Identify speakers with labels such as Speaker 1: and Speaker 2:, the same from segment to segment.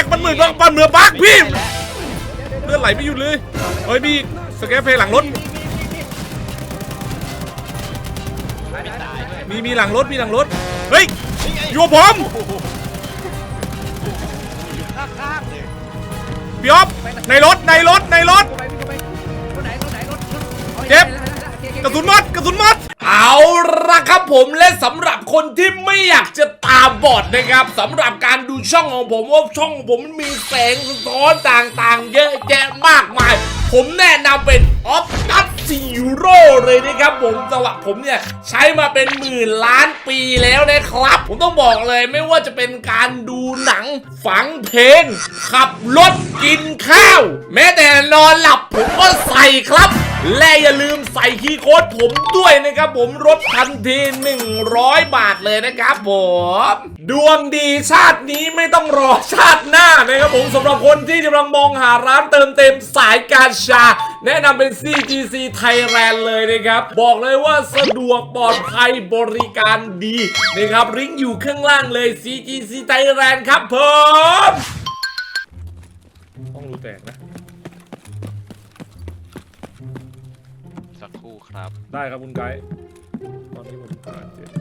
Speaker 1: มันเหมือนมันเหมือนบั๊กพี่เลือดไหลไม่หยุดเลยเฮ้ยพี่สแกปเพลย์หลังรถมีหลังรถเฮ้ยอยู่กับผมพี่อ๊อฟในรถเจ็บกระสุนหมดเอาละครับผมและสำหรับคนที่ไม่อยากจะตาบอดนะครับสำหรับการดูช่องของผมว่าช่องของผมมันมีแสงสะท้อนต่างๆเยอะแยะมากมายผมแนะนำเป็นออฟตัสซีโร่เลยนะครับผมสำหรับผมเนี่ยใช้มาเป็นหมื่นล้านปีแล้วนะครับผมต้องบอกเลยไม่ว่าจะเป็นการดูหนังฟังเพลงขับรถกินข้าวแม้แต่นอนหลับผมก็ใส่ครับและอย่าลืมใส่คีย์โค้ดผมด้วยนะครับผมลดทันที100 บาทเลยนะครับผมดวงดีชาตินี้ไม่ต้องรอชาติหน้านะครับผมสำหรับคนที่กำลังมองหาร้านเติมเต็มสายการชาแนะนำเป็น CGC Thailand เลยนะครับบอกเลยว่าสะดวกปลอดภัยบริการดีนะครับลิงก์อยู่ข้างล่างเลย CGC Thailand ครับผมต้องรู้แตกนะ
Speaker 2: สักครู่ครับ
Speaker 1: ได้ครับคุณไกด์ตอนนี้ผมหาเจ็บ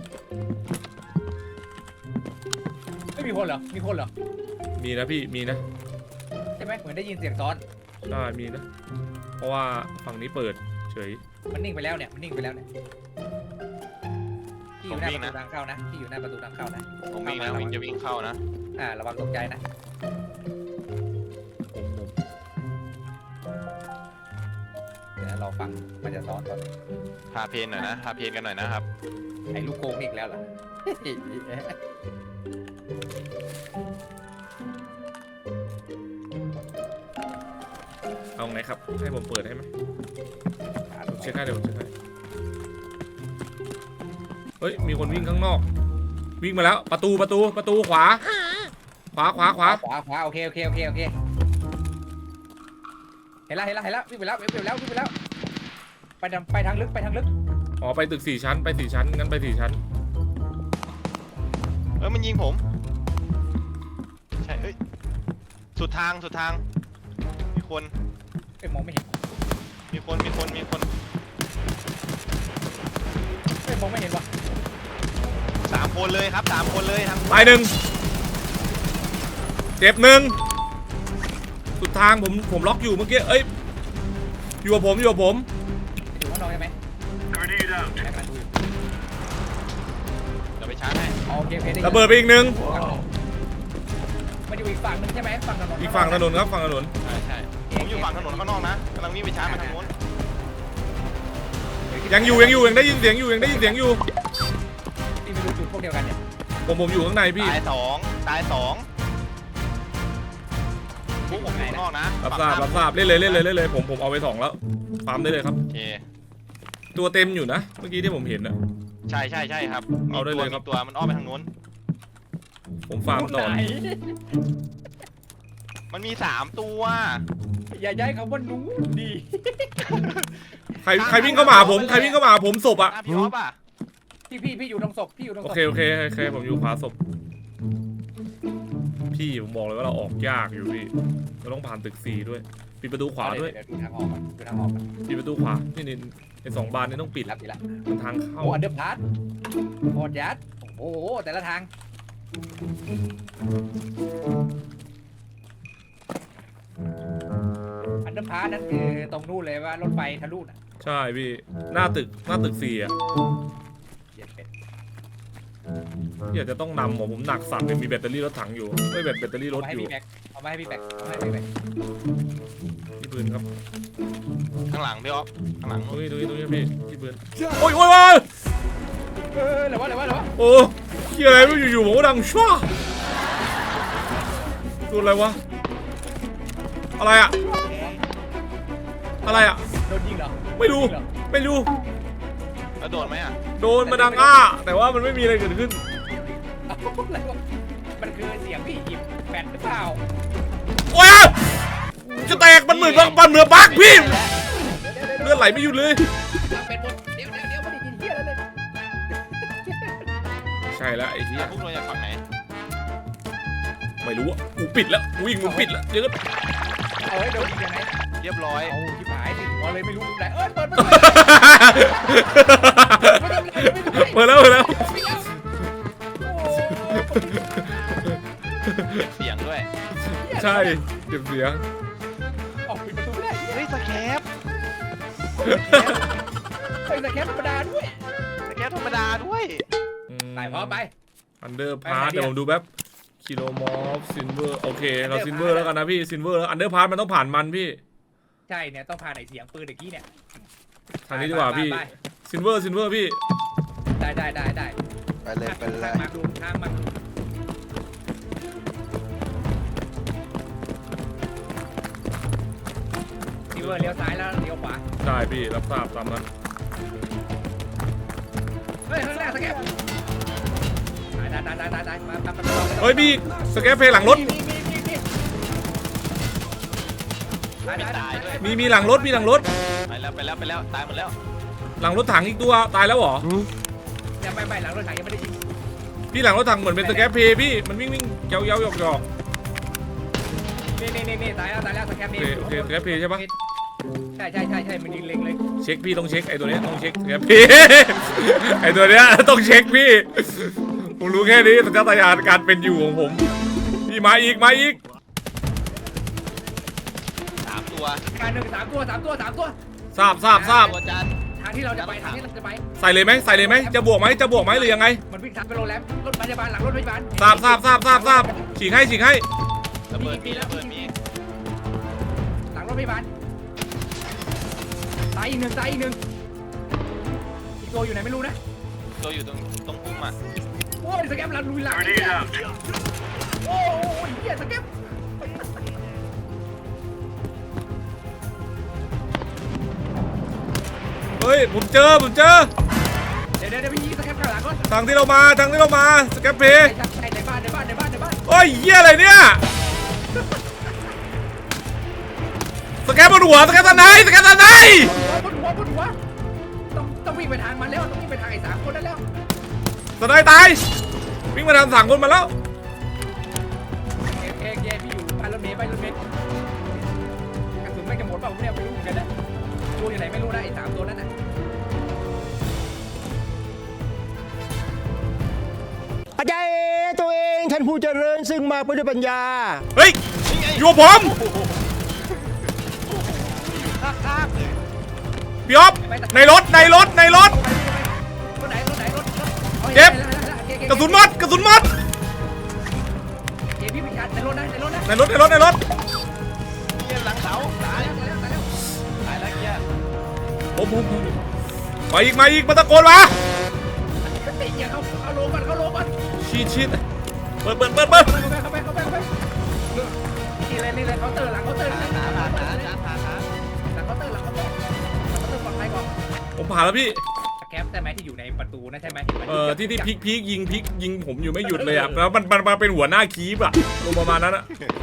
Speaker 3: ไม่มีคนเหรอ
Speaker 1: มีนะพี่มีนะ
Speaker 3: ใช่ไหมเหมือนได้ยินเสียงซ้อน
Speaker 1: ใช่มีนะเพราะว่าฝั่งนี้เปิดเฉย
Speaker 3: มันนิ่งไปแล้วเนี่ยที่อยู่หน้าประตูทางเข้านะ
Speaker 2: ผมวิ่งนะวิ่งจะวิ่งเข้านะ
Speaker 3: ระวังตกใจนะเดี๋ยวเราฟังมันจะซ้อนก่อน
Speaker 2: พาเพนหน่อยนะพาเพนกันหน่อยนะครับ
Speaker 3: ไอ้ลูกโกงอีกแล้วเหรอ
Speaker 1: เอาไงครับให้ผมเปิดให้ไหมเช็คให้เดี๋ยวผมเช็คให้เฮ้ยมีคนวิ่งข้างนอกวิ่งมาแล้วประตูขวา
Speaker 3: โอเคเห็นแล้ววิ่งไปแล้วไปทางลึก
Speaker 1: อ๋อไปตึก4 ชั้นไป4 ชั้นงั้นไป4 ชั้น
Speaker 2: มันยิงผมใช่สุดทางมีคน
Speaker 3: มองไม่เห็น
Speaker 2: มีคน
Speaker 3: มองไม่เห็นวะ
Speaker 2: 3 คนเลยครับ3 คนเลยทั้ง
Speaker 1: ไป1เจ็บ1สุดทางผมล็อกอยู่เมื่อกี้อยู่กับผม
Speaker 3: อยู่ข้างนอกใช่ไหม
Speaker 2: เราไปชาร์จให้
Speaker 3: โอเค
Speaker 1: ระเบิดไปอีก1
Speaker 3: มันอยู่อีกฝั่งนึงใช่ไหมฝั่งถนน
Speaker 1: อีกฝั่งถนนครับฝั่งถนน
Speaker 2: ใช่ผมอยู่ฝั่งถนนข้างนอกนะกำลังวิ่งไปชาร์จมาทางโน้น
Speaker 1: ยังได้ยินเสียงอยู่ที่ไม่รู้
Speaker 3: จุดพวกเดียวกันเนี่ย
Speaker 1: ผมอยู่ข้างในพี่
Speaker 2: ตาย2พวกผมอยู่ข้างนอกนะ
Speaker 1: รับทราบเล่นเลยผมเอาไป2แล้วฟาร์มได้เลยครับ
Speaker 2: โอเค
Speaker 1: ตัวเต็มอยู่นะเมื่อกี้ที่ผมเห็นนะ
Speaker 2: ใช่ครับ
Speaker 1: เอาได้เลยครับ
Speaker 2: ตัวมันอ้อมไปทางโน้น
Speaker 1: ผมฟาร์มต่อ
Speaker 2: มันมี3 ตัว
Speaker 3: อย่าย้ายคำว่าหนูดี
Speaker 1: ใครวิ่งเข้ามาผมศพอ่ะ
Speaker 2: พี่ออฟอ่ะ
Speaker 3: พี่อยู่ตรงศพ
Speaker 1: โอเคผมอยู่ขวาศพพี่ผมบอกเลยว่าเราออกยากอยู่พี่เราต้องผ่านตึก4ด้วยปิดประตูขวาด้วย
Speaker 3: ดูทางออก
Speaker 1: ปิดประตูขวานี่ไอ้2 บานนี่ต้องปิด
Speaker 3: ละ
Speaker 1: มันทางเข้า
Speaker 3: อันเดอร์พาร์ทโคตรยัดโอ้โหแต่ละทางอันเดอร์พาร์ทนั่นคือตรงนู่นเลยว่ารถไฟทะลุน่ะ
Speaker 1: ใช่พี่หน้าตึก4อ่ะอยากจะต้องนำผมหนักสั่นเลยมีแบตเตอรี่รถถังอยู่ไม่แบตเตอรี่รถอยู่
Speaker 3: เอามาให้พี่แบก
Speaker 1: พี่ปืนครับ
Speaker 2: ข้างหลังพี่ออฟข้างหลัง
Speaker 1: ตรงนี้พี่ปืนโอ้ย
Speaker 3: อะไรวะ
Speaker 1: โอ้ยอะไรไม่อยู่ผมก็ดังชั่วตัวอะไรวะอะไรอะ
Speaker 3: โดนยิงเหรอ
Speaker 1: ไม่รู้
Speaker 2: แล้วโดนไหมอ่ะ
Speaker 1: โดนมาดังแต่ว่ามันไม่มีอะไรเกิดขึ้น
Speaker 3: มันคือเสียงพี่หยิบแบตหรือเปล่า
Speaker 1: โอ้ยจะแตกมันเหมือนบั๊กพี่เลือดไหลไม่หยุดเลย
Speaker 3: เดี๋ยวไม่ได้ยินเหี้ยเลย
Speaker 1: ใช่แล้วไอ้เหี้ย
Speaker 2: พวกเราอยากฝั่งไหน
Speaker 1: มไม่รู้อ่ะกูปิดแล้วกูวิ่งมึงปิดแล้วเยอะ
Speaker 3: เอาไว้โดนอีกยังไง
Speaker 2: เรียบร้อย
Speaker 3: เอาที่หายสิพอเลยไม่รู้ไหนเปิด
Speaker 1: เปิดแล้ว
Speaker 2: เสียงด้วย
Speaker 1: ใช่เก็บเสียง
Speaker 3: ออกปิดประตูไม่ได้
Speaker 2: เฮ้ยสแคป
Speaker 3: เฮ้ยแต่แค่ธรรมดาด้วย
Speaker 2: สแคปธรรมดาด้วย
Speaker 3: ไปพร้อมไป
Speaker 1: อันเดอร์พาร์ทเดี๋ยวผมดูแป๊บคิโลมอฟซินเวอร์โอเคเราซินเวอร์แล้วกันนะพี่ซินเวอร์แล้วอันเดอร์พาร์ทมันต้องผ่านมันพี่
Speaker 3: ใช่เนี่ยต้องพาไหนเสียงปืนเมื่อกี้เนี่ย
Speaker 1: ทางนี้ดีกว่าพี่ซินเวอร์พี่
Speaker 3: ได้
Speaker 2: ไปเลยไปเลย
Speaker 3: มาดูทางมาซิเวอร์เลี้ยวซ้ายแล้วเลี้ยวขวา
Speaker 1: ใช่พี่รับทราบตามนั้น
Speaker 3: เฮ้ยข้างหน้าสแกปได้มา
Speaker 1: เฮ้ยพี่สแกปเพลย์หลังรถ
Speaker 2: ตายด้วย
Speaker 1: มีหลังรถ
Speaker 2: ไปแล้วตายหมดแล้ว
Speaker 1: หลังรถถังอีกตัวตายแล้วเหรอ
Speaker 3: ยังไม่หลังรถถังยังไม่ได้ยิง
Speaker 1: พี่หลังรถถังเหมือนเป็นสแกปเพลย์พี่มันวิ่งเย้าหยอก
Speaker 3: นี่ตายแล้วสแกป
Speaker 1: โอเคสแกปเพลย์ใช่ปะ
Speaker 3: ใช่มันยิงเล็งเลย
Speaker 1: เช็คพี่ต้องเช็คไอ้ตัวเนี้ยต้องเช็คสแกปเพลย์ ไอ้ตัวเนี้ยต้องเช็คพี่ผมรู้แค่นี้สัญชาตญาณการเป็นอยู่ของผมพี่มาอีก
Speaker 2: 3 ตัว
Speaker 3: การหนึ่ง3 ตัว
Speaker 1: ทราบ
Speaker 2: ตัวจาน
Speaker 3: ทางที่เราจะไป
Speaker 1: ใส่เลยไหมจะบวกไหมหรือยังไง
Speaker 3: มันวิ่งทางไปโรงแรมรถพยาบาลหลังรถพยาบาล
Speaker 1: ทราบฉีกให้
Speaker 2: ระเบิดมี
Speaker 3: หลังรถพยาบาลตายอีกหนึ่งอีกตัวอยู่ไหนไม่รู้นะ
Speaker 2: ตัวอยู่ตรงพุ่มอ่ะ
Speaker 3: โอ้ยสแกมหลังลุยหลังโอ้ยเหี้ยสแกม
Speaker 1: เฮ้ยผมเจอ
Speaker 3: เดี๋ยวพี่ยิงสแกมข้างหลังก่อน
Speaker 1: ทางที่เรามาสแกปเพลย์
Speaker 3: ใช่ในบ้าน
Speaker 1: โอ้ยเหี้ยอะไรเนี่ยสแกปบนหัวสแกปตาไหน
Speaker 3: บนหัวต้องวิ่งไปทางมันแล้วต้องวิ่งไปทางไอ้3 คนนั่นแล้ว
Speaker 1: ตาไหนตายวิ่งมาทางสั่งคนมาแล้ว
Speaker 3: เอ๊ะพี่อยู่บ้านรถเมล์กระสุนไม่จะหมดเปล่าเนี่ยไม่รู้เหมือนกันนะตัวอยู่ไหนไม่รู้นะไอ้3 ตัวนั้นน่ะ
Speaker 4: อาจารย์ตัวเองท่านผู้เจริญซึ่งมาไปด้วยปัญญา
Speaker 1: เฮ้ยอยู่กับผม
Speaker 2: ข้างเลย
Speaker 1: พี่อ๊อฟในรถ
Speaker 3: รถไหน
Speaker 1: เจ็บกระสุนหมด
Speaker 3: พี่พิชาในรถนะ
Speaker 1: ในรถ
Speaker 2: เรียนหลังเสาตายแล้วเกียร์
Speaker 1: ผมมาอีกมาตะโกนมา
Speaker 3: เข้าโลก่อน
Speaker 1: ชิดเปิด
Speaker 3: เข้าไปนี่เลยเคาน์เตอร์หลังเคาน์เตอร์
Speaker 2: หา
Speaker 3: หลังเคาน์เตอร์ปลอดภัยก่อน
Speaker 1: ผมผ่านแล้วพี่
Speaker 3: แคปใช่ไหมที่อยู่ในประตูนะใช่ไหม
Speaker 1: ที่พีคยิงผมอยู่ไม่หยุดเลยอ่ะแล้วมันมาเป็นหัวหน้าคีบอ่ะลงประมาณนั้นอ่ะ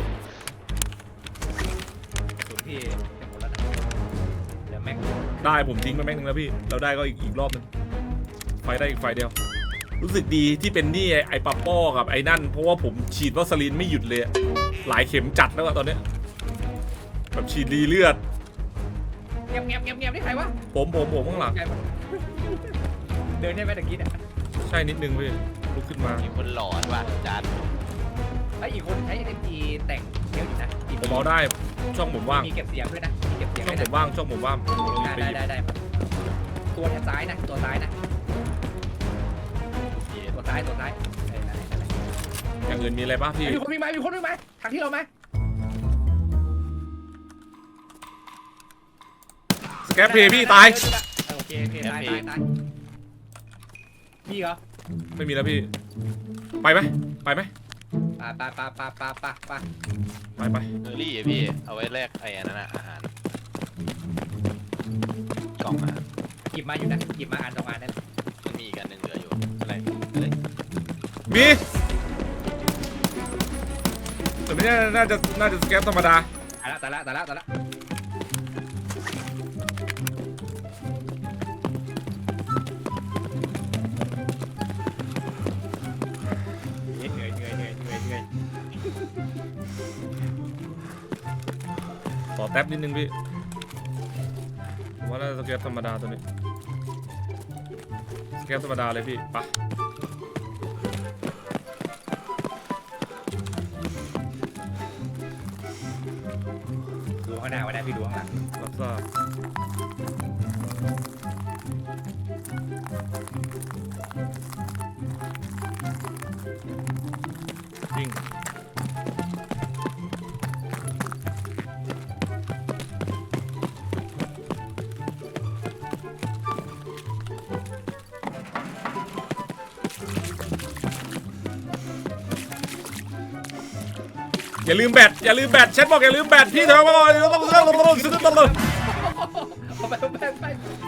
Speaker 3: ส่วนพี่จะหมดแล้วนะเดี๋ยวแม็ก
Speaker 1: ได้ผมทิ้งไปแม็กนึงแล้วพี่เราได้ก็อีกรอบนึงไฟได้อีกไฟเดียวรู้สึกดีที่เป็นนี่ไอ้ปาป้อกับไอ้นั่นเพราะว่าผมฉีดวัสลีนไม่หยุดเลยหลายเข็มจัดแล้วอะตอนเนี้ยแบบฉีดดีเลือด
Speaker 3: เงียบนี่ใครวะ
Speaker 1: ผมข้างหลัง
Speaker 3: เดินได้ไหมตะกี้เนี่ย
Speaker 1: ใช่นิดนึงพี่ลุกขึ้นมา
Speaker 2: มีคนหลอนว่ะจาน
Speaker 3: ไอ้อีกคนใช้ SMG แต่งเยอะอยู่นะ
Speaker 1: ผมเอาได้ช่องผมว่าง
Speaker 3: มีเก็บเสียงด้วยนะมีเก็บเสียง
Speaker 1: ช่อง
Speaker 3: ด้วย
Speaker 1: ผ
Speaker 3: นะ
Speaker 1: มว่างช่องผมว่าง
Speaker 3: ได้ตัวซ้ายนะตัวซ้าย
Speaker 1: อย่างอื่นมีอะไรบ้างพี่
Speaker 3: มีคนวิ่งมาทางที่เราไหม
Speaker 1: สแกปเพย์พี่ตาย
Speaker 3: โอเคตายมีเหรอ
Speaker 1: ไม่มีแล้วพี่ไปไหม
Speaker 3: ไปไป
Speaker 2: เออรี่พี่เอาไว้แลกไอ้นั่นน่ะอาหารกล่องอาหาร
Speaker 3: หยิบมาอยู่นะหยิบมาอ่านตรงอ่านนั่น
Speaker 2: มันมีอีกอันหนึ่งเหลืออยู่อะไร
Speaker 1: มีแต่ไม่น่าจะสแกปธรรมดา
Speaker 3: ตายละเหนื่อย
Speaker 1: ขอแท็บนิดนึงพี่ผมว่าน่าจะสเก็ตธรรมดาตัวนี้สเก็ตธรรมดาเลยพี่ปะ
Speaker 3: ดูข้างหน้าไว้นะพี่ดูข้างหลัง
Speaker 1: รับทราบจริงอย่าลืมแบตอย่าลืมแบตแชทบอกอย่าลืมแบตพี่เถอะต้อง
Speaker 3: เอาไปไป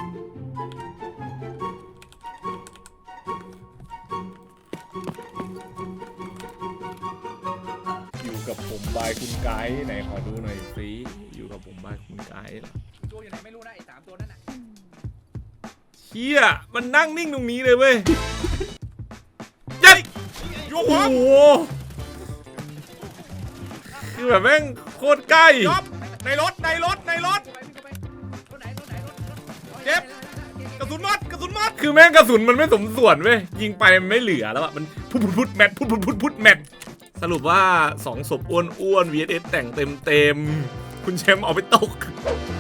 Speaker 1: อยู่กับผมบายคุณไกด์ไหนขอดูหน่อยสิอยู่กับผมบายคุณไกด์
Speaker 3: ตัวอยู่ไหนไม่รู้นะไอ้3ตัวนั้นน่ะ
Speaker 1: เฮียมันนั่งนิ่งตรงนี้เลยเว้ยยัยโอ้โหคือแบบแม่งโคตรใกล้ในรถ
Speaker 3: ไปพี่ก็ไปรถไหน
Speaker 1: เจ็บ กระสุนหมดกระสุนหมดคือแม่งกระสุนมันไม่สมส่วนเว้ยยิงไปมันไม่เหลือแล้วอะมันพุดแมทพุดแมทสรุปว่า2ศพอ้วนๆ VSS แต่งเต็มคุณแชมป์เอาไปตก